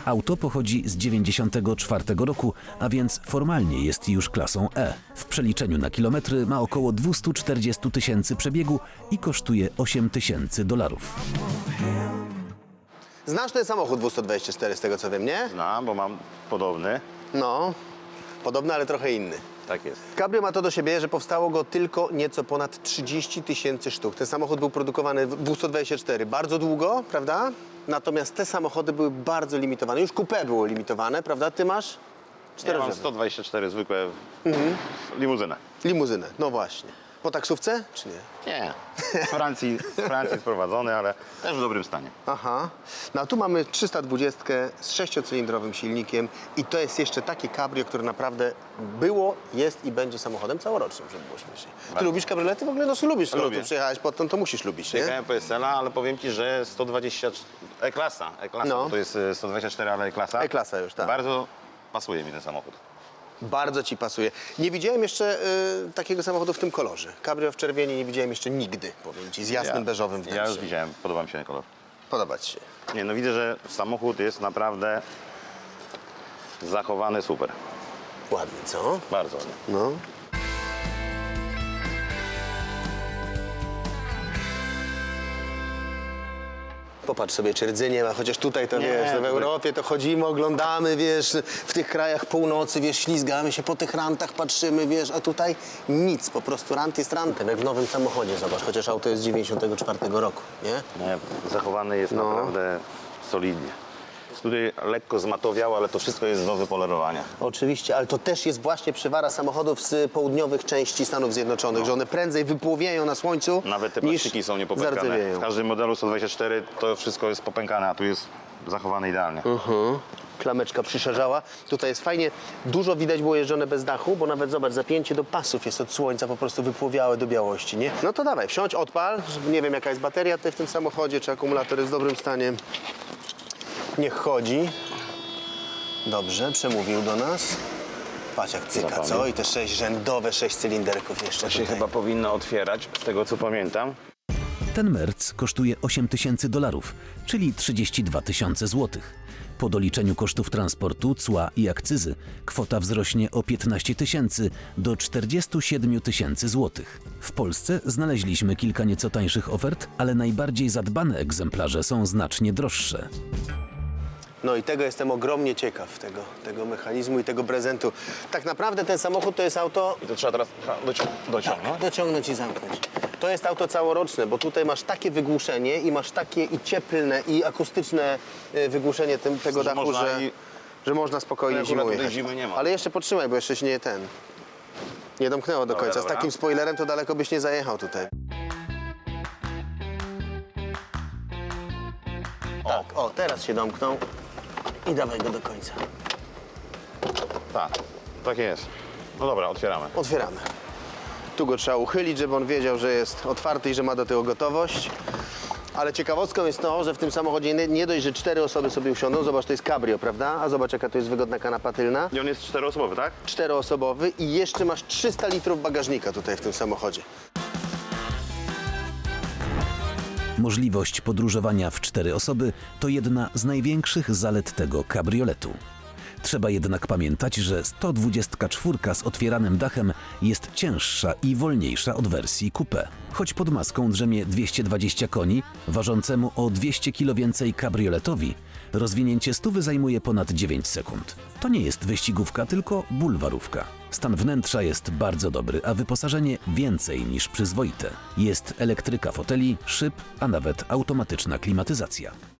Auto pochodzi z 1994 roku, a więc formalnie jest już klasą E. W przeliczeniu na kilometry ma około 240 tysięcy przebiegu i kosztuje $8,000. Znasz ten samochód 224 z tego co wiem, nie? Znam, bo mam podobny. No, podobny, ale trochę inny. Tak jest. Cabrio ma to do siebie, że powstało go tylko nieco ponad 30 tysięcy sztuk. Ten samochód był produkowany w 224 bardzo długo, prawda? Natomiast te samochody były bardzo limitowane. Już coupé było limitowane, prawda? Ty masz? Ja mam Czterodrzewne. 124 zwykłe limuzynę. Limuzynę, no właśnie. Po taksówce, czy nie? Nie, z Francji sprowadzony, ale też w dobrym stanie. Aha. No a tu mamy 320 z 6-cylindrowym silnikiem i to jest jeszcze takie cabrio, które naprawdę było, jest i będzie samochodem całorocznym, żeby było śmiesznie. Ty lubisz kabriolety? W ogóle no lubisz, skoro Lubię. tu przyjechałeś potem, to musisz lubić, nie? Jechałem PSL-a, ale powiem Ci, że 120... E-klasa, No. bo to jest 124, ale E-klasa. E-klasa już, tak. Bardzo pasuje mi ten samochód. Bardzo ci pasuje. Nie widziałem jeszcze takiego samochodu w tym kolorze. Cabrio w czerwieni nie widziałem jeszcze nigdy, powiem ci, z jasnym beżowym wnętrzem. Ja już widziałem, podoba mi się ten kolor. Podoba ci się. Nie, no widzę, że samochód jest naprawdę zachowany super. Ładnie, co? Bardzo ładnie. No. Popatrz sobie, czy rdzy nie ma, chociaż tutaj to Nie, wiesz, to w tutaj- Europie to chodzimy, oglądamy, wiesz, w tych krajach północy, wiesz, ślizgamy się po tych rantach, patrzymy, wiesz, a tutaj nic, po prostu rant jest rantem, jak w nowym samochodzie, zobacz, chociaż auto jest z 94 roku, nie? Nie, zachowany jest No. naprawdę solidnie. Tutaj lekko zmatowiało, ale to wszystko jest do wypolerowania. Oczywiście, ale to też jest właśnie przywara samochodów z południowych części Stanów Zjednoczonych, że one prędzej wypłowieją na słońcu Nawet te niż plastiki są niepopękane. zardzewieją. W każdym modelu 124 to wszystko jest popękane, a tu jest zachowane idealnie. Klameczka przyszerzała. Tutaj jest fajnie, dużo widać było jeżdżone bez dachu, bo nawet zobacz, zapięcie do pasów jest od słońca po prostu wypłowiałe do białości, nie? No to dawaj, wsiądź, odpal. Nie wiem jaka jest bateria tutaj w tym samochodzie, czy akumulator jest w dobrym stanie. Niech chodzi. Dobrze, przemówił do nas. Patrz jak cyka, Zapamięć. co? I te 6 rzędowe, 6 cylinderków jeszcze To się tutaj. chyba powinno otwierać, z tego co pamiętam. Ten Merc kosztuje $8,000, czyli 32 tysiące złotych. Po doliczeniu kosztów transportu, cła i akcyzy kwota wzrośnie o 15 tysięcy do 47 tysięcy złotych. W Polsce znaleźliśmy kilka nieco tańszych ofert, ale najbardziej zadbane egzemplarze są znacznie droższe. No i tego jestem ogromnie ciekaw, tego mechanizmu i tego prezentu. Tak naprawdę ten samochód to jest auto... I to trzeba teraz dociągnąć. Dociągnąć i zamknąć. To jest auto całoroczne, bo tutaj masz takie wygłuszenie i masz takie i cieplne i akustyczne wygłuszenie tego Że dachu, można że można spokojnie Ale zimą akurat tutaj jechać. zimy nie ma. Ale jeszcze potrzymaj, bo jeszcze się nie domknęło do Dobra, końca. Z dobra. takim spoilerem to daleko byś nie zajechał tutaj. Tak, o, teraz się domknął i dawaj go do końca. Tak jest. No dobra, otwieramy. Otwieramy. Tu go trzeba uchylić, żeby on wiedział, że jest otwarty i że ma do tego gotowość. Ale ciekawostką jest to, że w tym samochodzie nie dość, że 4 osoby sobie usiądą, zobacz, to jest cabrio, prawda? A zobacz, jaka to jest wygodna kanapa tylna. I on jest 4-osobowy, tak? 4-osobowy i jeszcze masz 300 litrów bagażnika tutaj w tym samochodzie. Możliwość podróżowania w 4 osoby to jedna z największych zalet tego kabrioletu. Trzeba jednak pamiętać, że 124 z otwieranym dachem jest cięższa i wolniejsza od wersji coupé. Choć pod maską drzemie 220 koni, ważącemu o 200 kg więcej kabrioletowi, rozwinięcie stówy zajmuje ponad 9 sekund. To nie jest wyścigówka, tylko bulwarówka. Stan wnętrza jest bardzo dobry, a wyposażenie więcej niż przyzwoite. Jest elektryka foteli, szyb, a nawet automatyczna klimatyzacja.